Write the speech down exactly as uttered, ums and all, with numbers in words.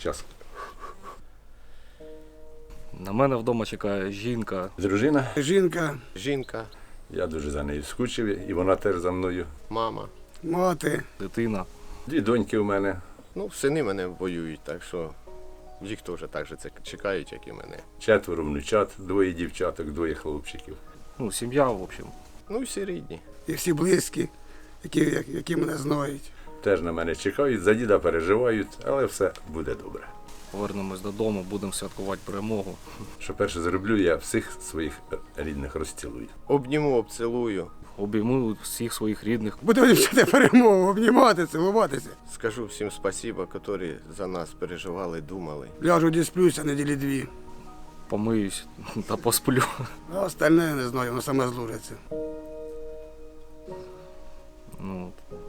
час. На мене вдома чекає жінка. Дружина, Жінка, Жінка, я дуже за нею скучив, і вона теж за мною. мама. мати. Дитина. Дві доньки у мене. Ну, сини мене воюють, так що їх теж так же це чекають, як і мене. Четверо внучат, двоє дівчаток, двоє хлопчиків. Ну, сім'я, в общем. Ну, всі рідні. І всі близькі, які, які мене знають. Теж на мене чекають, за діда переживають, але все буде добре. Повернемось додому, будемо святкувати перемогу. Що перше зроблю, я всіх своїх рідних розцілую. Обніму, обцілую. Обійму всіх своїх рідних. Будемо вчити перемогу, обнімати, цілуватися. Скажу всім спасіба, які за нас переживали, думали. Ляжу дісплюся неділі дві. Помиюсь та посплю. А остальне не знаю, воно саме зложиться. Ну, от.